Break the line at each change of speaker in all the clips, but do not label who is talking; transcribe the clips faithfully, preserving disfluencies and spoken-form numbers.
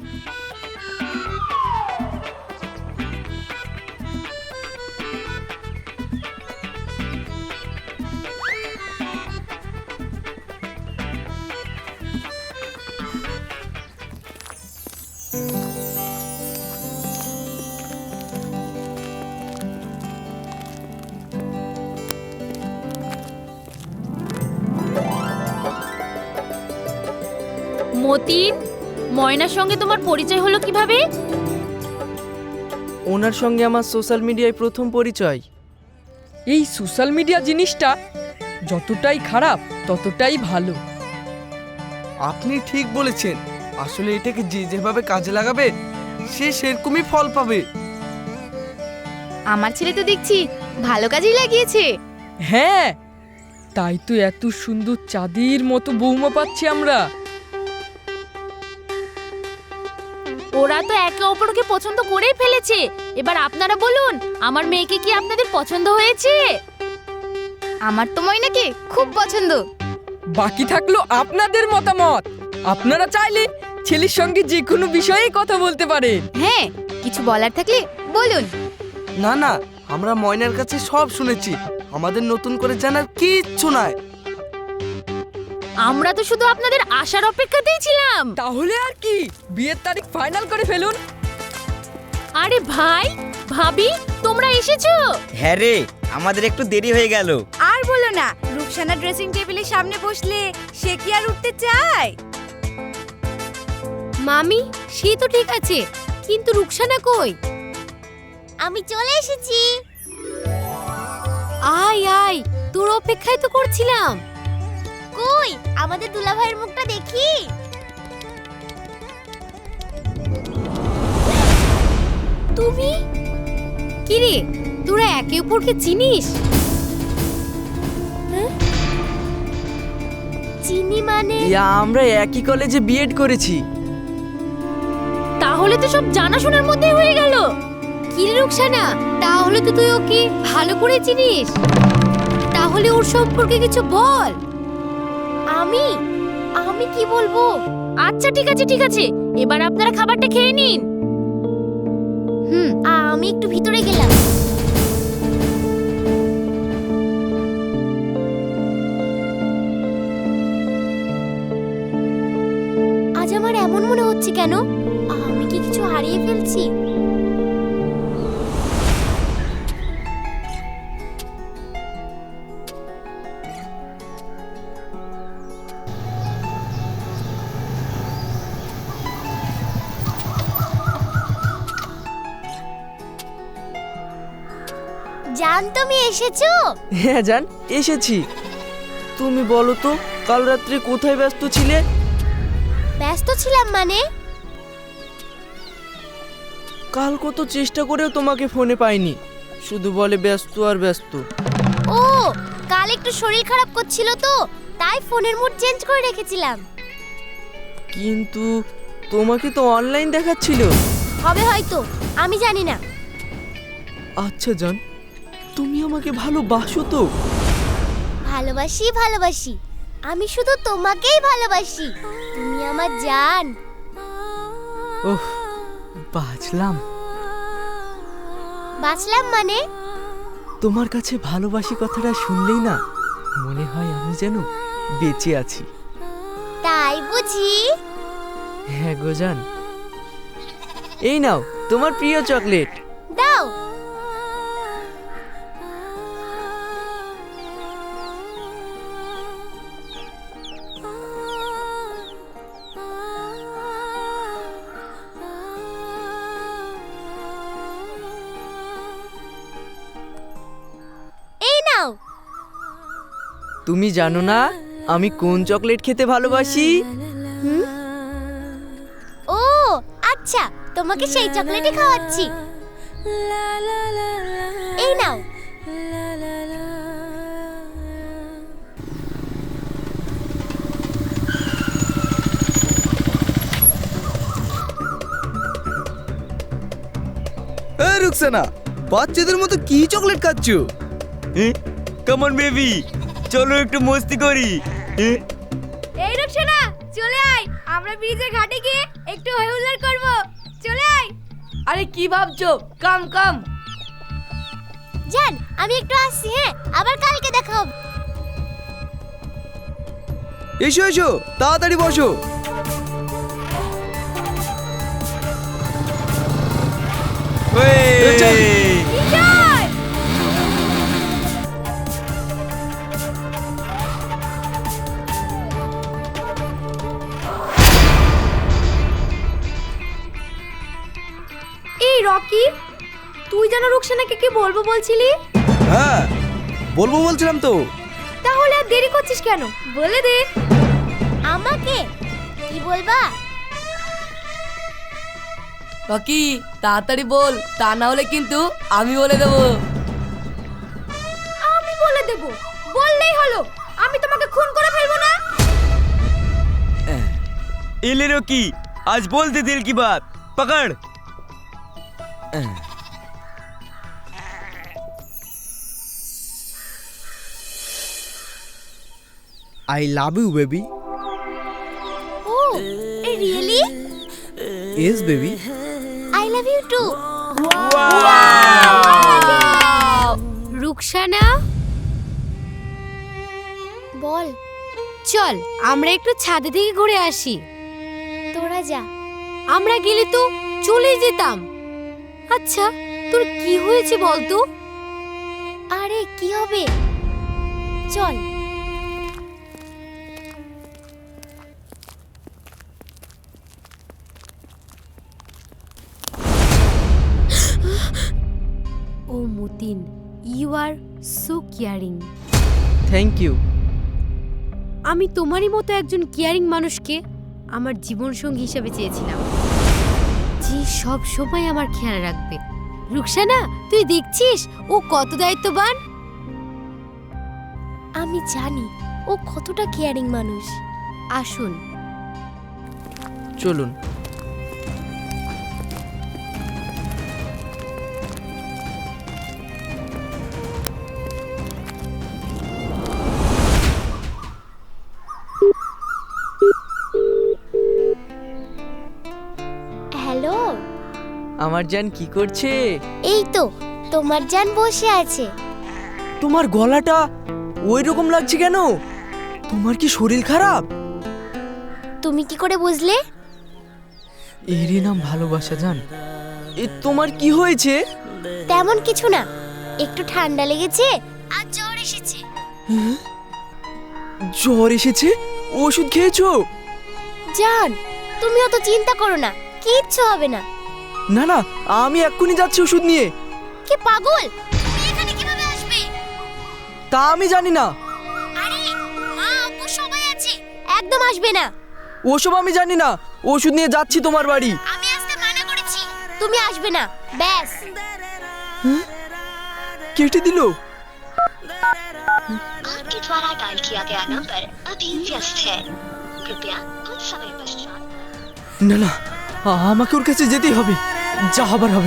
মতিন, ময়নার সঙ্গে তোমার পরিচয় হলো কিভাবে?
ওনার সঙ্গে আমার সোশ্যাল মিডিয়ায় প্রথম পরিচয়।
এই সোশ্যাল মিডিয়া জিনিসটা যতটাই খারাপ ততটাই ভালো।
আপনি ঠিক বলেছেন, আসলে এটাকে যে যেভাবে কাজে লাগাবে সে সেরকমই ফল পাবে।
আমার ছেলে তো দেখছি ভালো কাজেই লাগিয়েছে।
হ্যাঁ, তাই তো এত সুন্দর চাঁদের মতো বৌমা পাচ্ছি আমরা।
ওরা তো একে অপরকে পছন্দ করেই ফেলেছে। এবার আপনারা বলুন, আমার মেয়েকে কি আপনাদের পছন্দ হয়েছে? আমার তো ময়নাকে খুব পছন্দ।
বাকি থাকলো আপনাদের মতামত। আপনারা চাইলে ছেলের সঙ্গে যে কোনো বিষয়ে কথা বলতে পারেন।
হ্যাঁ, কিছু বলার থাকলে বলুন।
না না, আমরা ময়নার কাছে সব শুনেছি, আমাদের নতুন করে জানার কিচ্ছু নাই।
আমরা তো শুধু আপনাদের আশার অপেক্ষাতেই ছিলাম।
তাহলে আর কি, বিয়ের তারিখ ফাইনাল করে ফেলুন।
আরে ভাই, ভাবি, তোমরা এসেছো?
হ্যাঁ রে, আমাদের একটু দেরি হয়ে গেল।
আর বলো না, রুকসানা ড্রেসিং টেবিলের সামনে বসলে সে কি আর উঠতে চায়?
মামি, সে তো ঠিক আছে, কিন্তু রুকসানা কই?
আমি চলে এসেছি।
আয় আয়, তোর অপেক্ষায় তো করছিলাম।
কই আমাদের দুলাভাইয়ের মুখটা দেখি।
তুমি কি রে, তোরা একে অপরকে চিনিস?
চিনি মানে?
ইয়া, আমরা একই কলেজে বিএড করেছি।
তাহলে তো সব জানাশোনার মধ্যেই হয়ে গেল। কি রে রুকসানা, তাহলে তো তুই ওকে ভালো করে চিনিস। তাহলে ওর সম্পর্কে কিছু বল।
আমি আমি কি বলবো?
আচ্ছা ঠিক আছে ঠিক আছে, এবার আপনারা খাবারটা খেয়ে নিন।
হুম, আমি একটু ভিতরে গেলাম। আজ আমার এমন মনে হচ্ছে কেন? আমি কি কিছু হারিয়ে ফেলছি? জান, তুমি এসেছো?
হ্যাঁ জান, এসেছি। তুমি বলো তো, কাল রাত্রে কোথায় ব্যস্ত ছিলে?
ব্যস্ত ছিলাম মানে?
কাল কত চেষ্টা করেও তোমাকে ফোনে পাইনি, শুধু বলে ব্যস্ত আর ব্যস্ত।
ও, কাল একটু শরীর খারাপ করছিল তো, তাই ফোনের মুড চেঞ্জ করে রেখেছিলাম।
কিন্তু তোমাকে তো অনলাইন দেখাচ্ছিল।
হবে হয়তো, আমি জানি না।
আচ্ছা জান, তুমি আমাকে ভালোবাসো তো?
ভালোবাসি ভালোবাসি, আমি শুধু তোমাকেই ভালোবাসি। তুমি আমার জান।
ওহ, বাঁচলাম।
বাঁচলাম মানে?
তোমার কাছে ভালোবাসি কথাটা শুনলেই না মনে হয় আমি যেন বেঁচে আছি।
তাই বুঝি?
হ্যাঁ গো জান, এই নাও তোমার প্রিয় চকলেট।
দাও। এই নাও।
তুমি জানো না আমি কোন চকলেট খেতে ভালোবাসি?
ও আচ্ছা, তোমাকে সেই চকলেটই খাওয়াচ্ছি। এই নাও।
এই রুকসানা, বাচ্চাদের মতো কি চকলেট খাচ্ছো?
কাম অন বেবি, চলো একটু মস্তি করি।
এই রুকসানা, চলে আয়।
আমরা ব্রিজের ঘাটে গিয়ে একটু হই হুল্লোড় করব। চলে আয়।
আরে কি ভাবছো? কাম কাম।
জান আমি একটু আসছি, হ্যাঁ আবার কালকে দেখা হবে।
এসো এসো, তাড়াতাড়ি বসো।
এই রকি, তুই যেন রুকসানাকে কি বলবো বলছিলি?
হ্যাঁ বলবো বলছিলাম তো।
তাহলে আর দেরি করছিস কেন? বলে দে।
আমাকে কি বলবা?
রকি তাড়াতাড়ি বল, তা না হলে কিন্তু আমি বলে দেবো।
আমি বলে দেব, বললেই হলো। আমি তোমাকে খুন করে ফেলবো না।
एले रोकी, आज बोल दे दिल की बात। पकड़।
I love you baby.
ও really?
Yes baby.
I love you too.
Ruksana
বল।
চল আমরা একটু ছাদে থেকে ঘুরে আসি।
তোরা যা।
আমরা গেলে তো চলে যেতাম। আচ্ছা তোর কি হয়েছে বলতো?
আরে কি হবে, চল।
ও Matin, you are so caring.
Thank you.
আমি তোমারই মতো একজন কেয়ারিং মানুষকে আমার জীবন সঙ্গী হিসেবে চেয়েছিলাম, যে সব সময় আমার খেয়াল রাখবে। রুকসানা তুই দেখছিস ও কত দায়িত্ববান।
আমি জানি ও কতটা কেয়ারিং মানুষ।
আসুন।
চলুন।
হ্যালো।
আমার জান কি করছে?
এই তো তোমার জান বসে আছে।
তোমার গলাটা ওই রকম লাগছে কেন? তোমার কি শরীর খারাপ?
তুমি কি করে বুঝলে?
এরই নাম ভালোবাসা জান। এ তোমার কি হয়েছে?
তেমন কিছু না, একটু ঠান্ডা লেগেছে আর জ্বর এসেছে।
জ্বর এসেছে? ওষুধ খেয়েছো?
জান তুমি অত চিন্তা করো না, কিচ্ছু হবে না।
না না, আমি এক্ষুনি যাচ্ছি ওষুধ নিয়ে।
কি পাগল, তুমি এখানে কিভাবে আসবে?
তা আমি জানি না।
আরে মা আব্বু সবাই আছে, একদম আসবে না।
ওসব আমি জানি না। ওষুধ নিয়ে যাচ্ছি তোমার বাড়ি।
আমি আসতে মানা করেছি, তুমি আসবে না ব্যাস।
কেটে দিল।
आपके द्वारा डायल किया गया नंबर अभी व्यस्त है, कृपया कुछ समय पश्चात।
না না, আমাকে ওর কাছে যেতেই হবে, যা হবার হবে।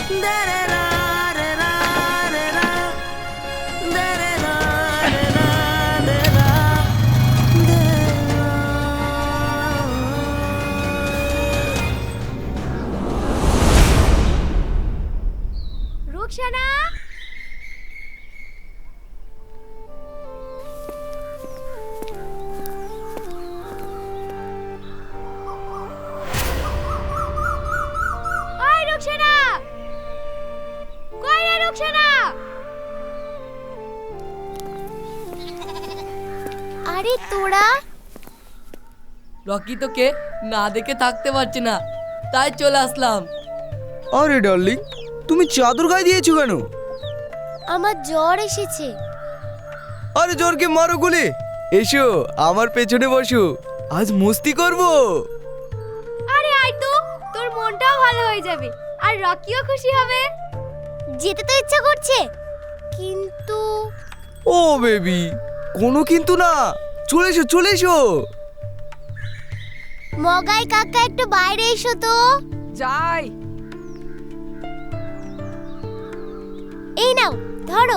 রুকসানা, ওই রুকসানা, কই রে রুকসানা?
আরে তোরা।
রকি তোকে না দেখে থাকতে পারছি না, তাই চলে আসলাম।
আরে ডার্লিং, তুমি চাদর গায়ে দিয়েছো কেন?
আমার জ্বর এসেছে।
আরে জ্বরকে মারো গুলি। এসো আমার পেছনে বসো, আজ মস্তি করবো।
আরে আয় তো, তোর মনটাও ভালো হয়ে যাবে আর রকিও খুশি হবে।
যেতে তো ইচ্ছা করছে, কিন্তু
ও বেবি, কোনো কিন্তু না, চলে এসো চলে এসো।
মগাই কাকা একটু বাইরে এসো তো।
যাই।
এই নাও ধরো।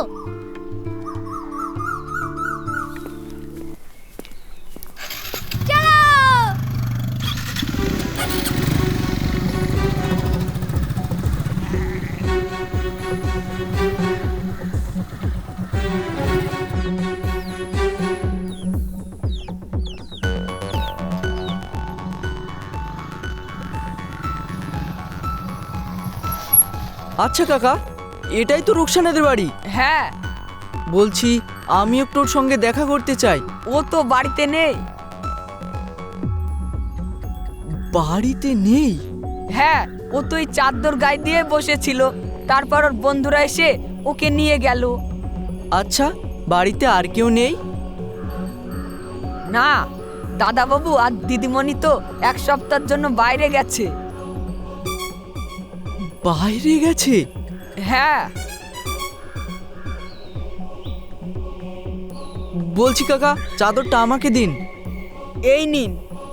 চলো।
আচ্ছা কাকা, এটাই তো রুকসানাদের বাড়ি।
হ্যাঁ,
বলছি আমি একটু ওর সঙ্গে দেখা করতে চাই।
ও তো বাড়িতে নেই।
বাড়িতে নেই?
হ্যাঁ, ও তো এই চাদর গায়ে দিয়ে বসেছিল, তারপর ওর বন্ধুরা এসে ওকে নিয়ে গেল।
আচ্ছা, বাড়িতে আর কেউ নেই?
না, দাদাবাবু আর দিদিমণি তো এক সপ্তাহের জন্য বাইরে গেছে।
বাইরে গেছে?
হ্যাঁ।
বলছি কাকা, চাদরটা আমাকে দিন।
এই নিন।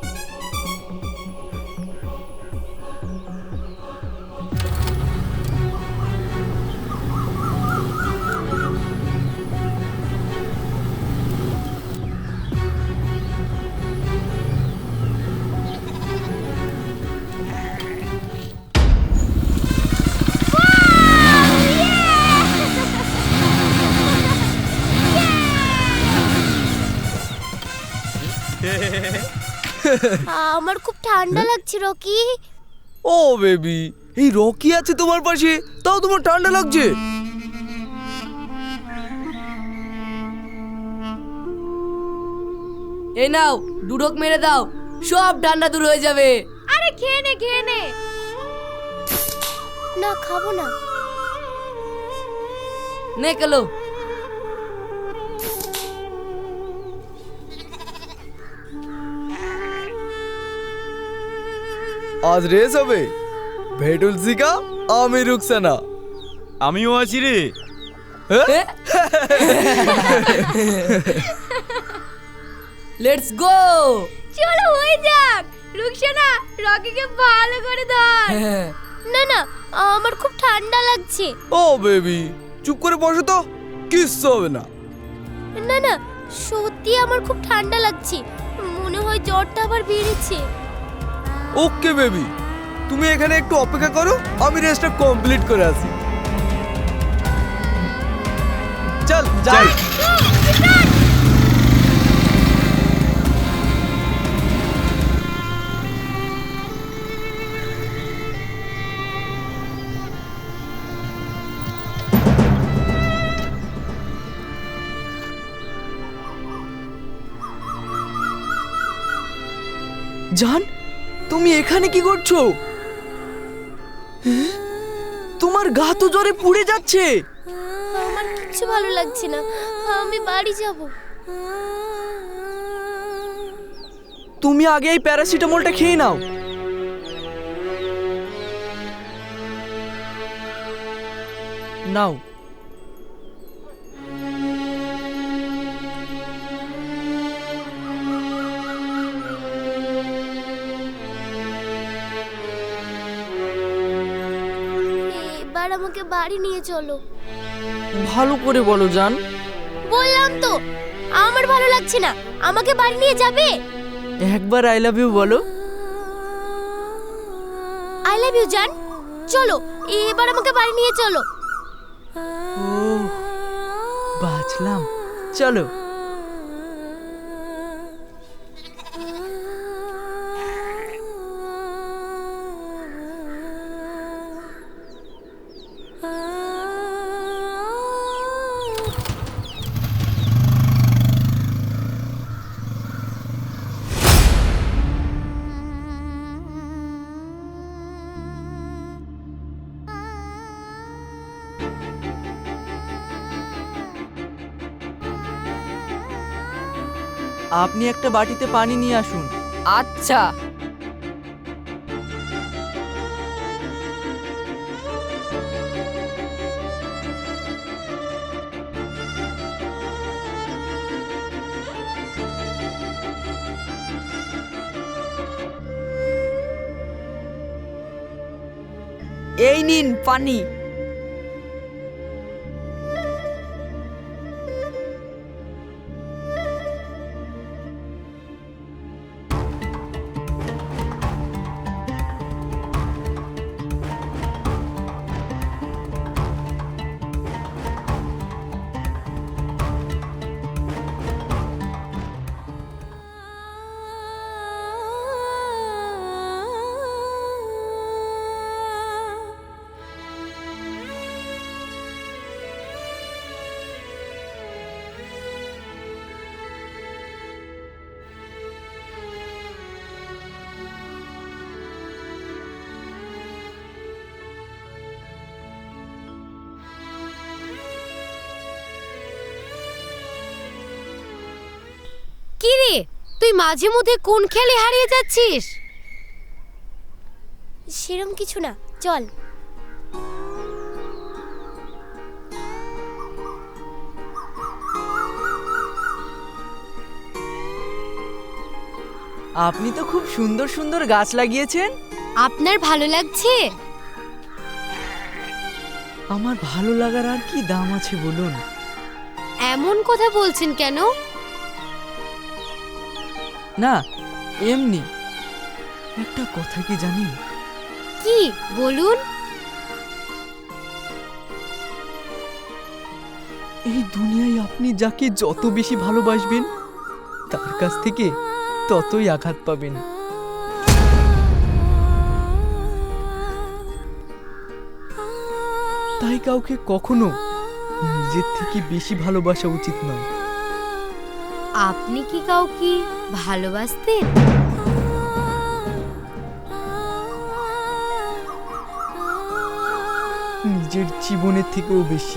আমার খুব ঠান্ডা লাগছে রকি।
ও বেবি, এই রকি আছে তোমার পাশে, তাও তোমার ঠান্ডা লাগছে?
এই নাও, দুডক মেরে দাও, সব ঠান্ডা দূর হয়ে যাবে।
আরে খেয়ে নে খেয়ে নে।
না, খাবো না।
নে কেলো।
আজ রেস হবে, ভেটুল সিকা, আমি রুকসানা।
আমিও আছি রে।
Let's go.
চলো হয়ে যাক। রুকসানা, রকিকে ভালো করে ধর।
না না, আমার খুব ঠান্ডা লাগছে।
ও বেবি, চুপ করে বসো তো, কিচ্ছু হবে না।
না না, সত্যি আমার খুব ঠান্ডা লাগছে, মনে হয় জ্বরটা আবার বেড়েছে।
ওকে বেবি, তুমি এখানে একটু অপেক্ষা করো, আমি রেসটা কমপ্লিট করে আসি। চল যাই।
জান, তুমি এখানে কি করছো? তোমার গা তো জ্বরে পুড়ে যাচ্ছে।
আমার কিচ্ছু ভালো লাগছে না, আমি বাড়ি যাব।
তুমি আগে এই প্যারাসিটামলটা খেয়ে নাও। নাও।
এবার আমাকে বাড়ি নিয়ে চলো।
ভালো করে বলো জান।
বললাম তো, আমার ভালো লাগছে না, আমাকে বাড়ি নিয়ে যাবে।
একবার আই লাভ ইউ বলো।
আই লাভ ইউ জান। চলো, এবার আমাকে বাড়ি নিয়ে চলো।
ও, বাঁচলাম। চলো। আপনি একটা বাটিতে পানি নিয়ে আসুন।
আচ্ছা। এই নিন পানি।
তুই মাঝে মধ্যে কোন খেলে হারিয়ে যাচ্ছিস?
সেরম কিছু না, চল।
আপনি তো খুব সুন্দর সুন্দর গাছ লাগিয়েছেন।
আপনার ভালো লাগছে?
আমার ভালো লাগার আর কি দাম আছে বলুন?
এমন কথা বলছেন কেন?
না, এমনি। একটা কথা কি জানেন?
কি বলুন?
এই দুনিয়ায় আপনি যাকে যত বেশি ভালোবাসবেন তার কাছ থেকে ততই আঘাত পাবেন। তাই কাউকে কখনো নিজের থেকে বেশি ভালোবাসা উচিত নয়।
আপনি কি কাউকে ভালোবাসতেন?
নিজের জীবনের থেকেও বেশি।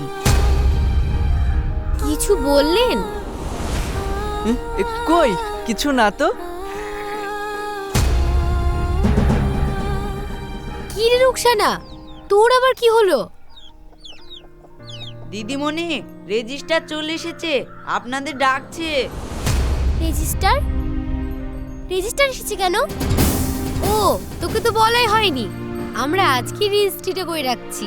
কিছু বললেন?
এ, এ, কই কিছু না তো।
কি রে রুকসানা, তোর আবার কি হলো?
দিদিমণি, রেজিস্টার চলে এসেছে, আপনাদের ডাকছে।
রেজিস্টার? রেজিস্টার এসেছে কেন?
ও, তোকে তো বলাই হয়নি। আমরা আজকে রেজিস্ট্রিটা করে রাখছি।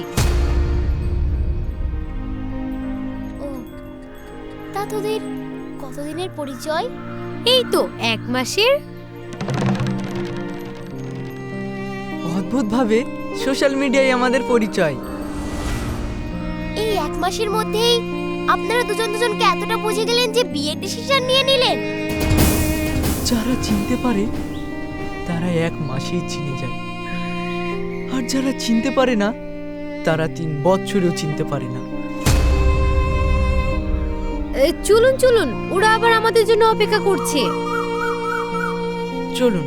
ও, তা তোদের কতদিনের পরিচয়?
এই তো এক মাসের।
অদ্ভুত ভাবে সোশ্যাল মিডিয়ায় আমাদের পরিচয়।
এই এক মাসের মধ্যেই আপনারা দুজন দুজনকে এতটা বুঝে গেলেন যে বিয়ের ডিসিশন নিয়ে নিলেন।
যারা চিনতে পারে তারা এক মাসেই চিনে যায়, আর যারা চিনতে পারে না তারা তিন বছরেও চিনতে পারে না।
এ, চলুন চলুন, ওরা আবার আমাদের জন্য অপেক্ষা করছে।
চলুন।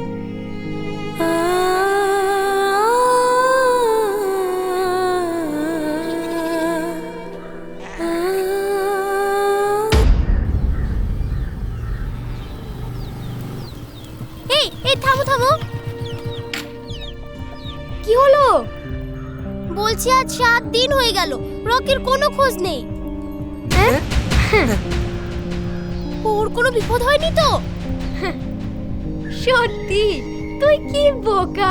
এই এই থামো থামো।
কি হলো?
বলছি আজ সাত দিন হয়ে গেল, রকির কোনো খোঁজ নেই। ওর কোনো বিপদ হয়নি তো?
সত্যি তুই কি বোকা।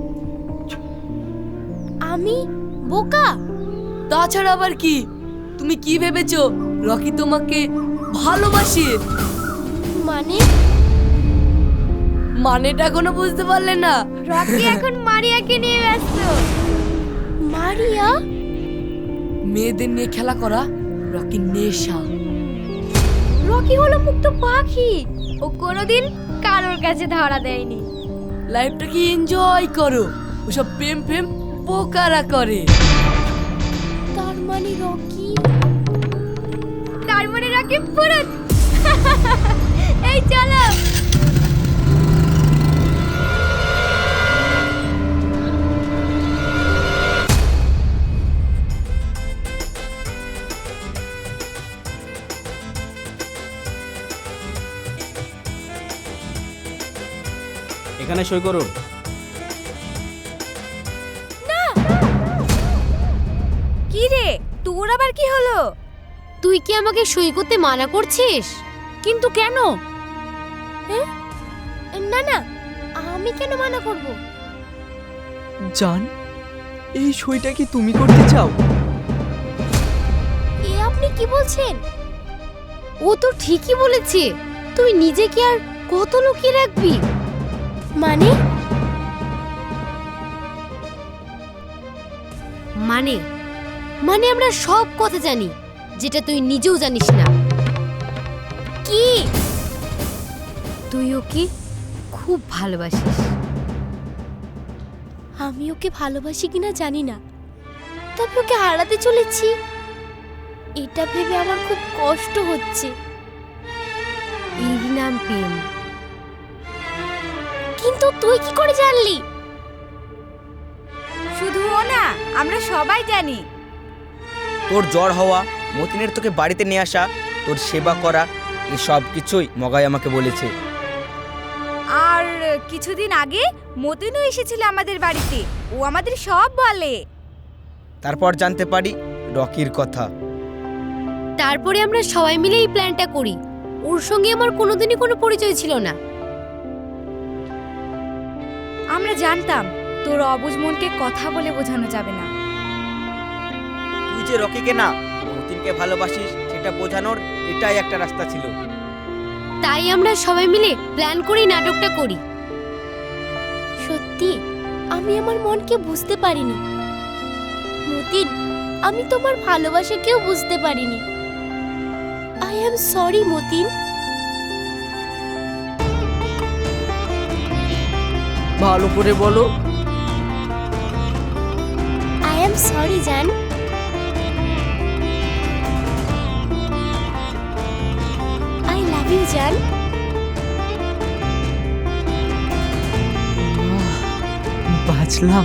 আমি বোকা?
তাছাড়া আবার কি? তুমি কি ভেবেছো রকি তোমাকে ভালোবাসে?
মানে
মানেটা এখনো বুঝতে পারলে না?
রকি এখন মারিয়াকে নিয়ে ব্যস্ত।
মারিয়া?
মেয়েদের নিয়ে খেলা করা রকির নেশা।
রকি হলো মুক্ত পাখি, ও কোনোদিন কারোর কাছে ধরা দেয়নি।
লাইফটাকে এনজয় করো, ওসব প্রেম প্রেম পোকারা করে।
তার মানে রকি?
তার মানে রকি পুরো। এই চলো।
এখানে সই করুন।
কি রে, তোর আবার কি হলো? তুই কি আমাকে সই করতে মানা করছিস? কিন্তু কেন?
না না, আমি কেন মানা করব?
জান, এই সইটা কি তুমি করতে চাও?
এ আপনি কি বলছেন?
ও তো ঠিকই বলেছে। তুই নিজেকে আর কত লুকিয়ে রাখবি?
মানে
মানে মানে আমরা সব কথা জানি, যেটা তুই নিজেও জানিস না।
কি?
তুই ওকে খুব ভালোবাসিস।
আমি ওকে ভালোবাসি কিনা জানি না, তবে ওকে হারাতে চলেছি এটা ভেবে আমার খুব কষ্ট হচ্ছে।
এর নাম প্রেম।
কিন্তু তুই কি করে জানলি?
শুধু ও না, আমরা সবাই জানি।
তোর জ্বর হওয়া, মতিনের তোকে বাড়িতে নিয়ে আসা, তোর সেবা করা, এই সব কিছুই মগাই আমাকে বলেছে।
কিছুদিন আগে মতিনও এসেছিল আমাদের বাড়িতে, ও আমাদের সব বলে।
তারপর জানতে পারি রকির কথা।
তারপরে আমরা সবাই মিলে এই প্ল্যানটা করি। ওর সঙ্গে আমার কোনোদিনই কোনো পরিচয় ছিল না।
আমরা জানতাম তোর অবুঝ মনকে কথা বলে বোঝানো যাবে না।
তুই যে রকিকে না মতিনকে ভালোবাসিস সেটা বোঝানোর এটাই একটা রাস্তা ছিল।
তাই আমরা সবাই মিলে প্ল্যান করে এই নাটকটা করি।
সত্যি আমি আমার মনকে বুঝতে পারিনি মতিন, আমি তোমার ভালোবাসাকেও বুঝতে পারিনি। I am sorry Matin.
ভালো করে বলো।
আই অ্যাম সরি জান। আই লাভ ইউ জান।
বাঁচলাম।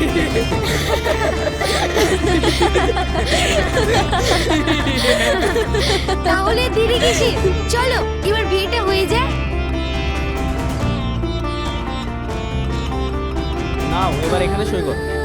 তাহলে দেরি কিসে, চলো এবার বিয়েটা হয়ে যায়।
না, এবার এখানে সই কর।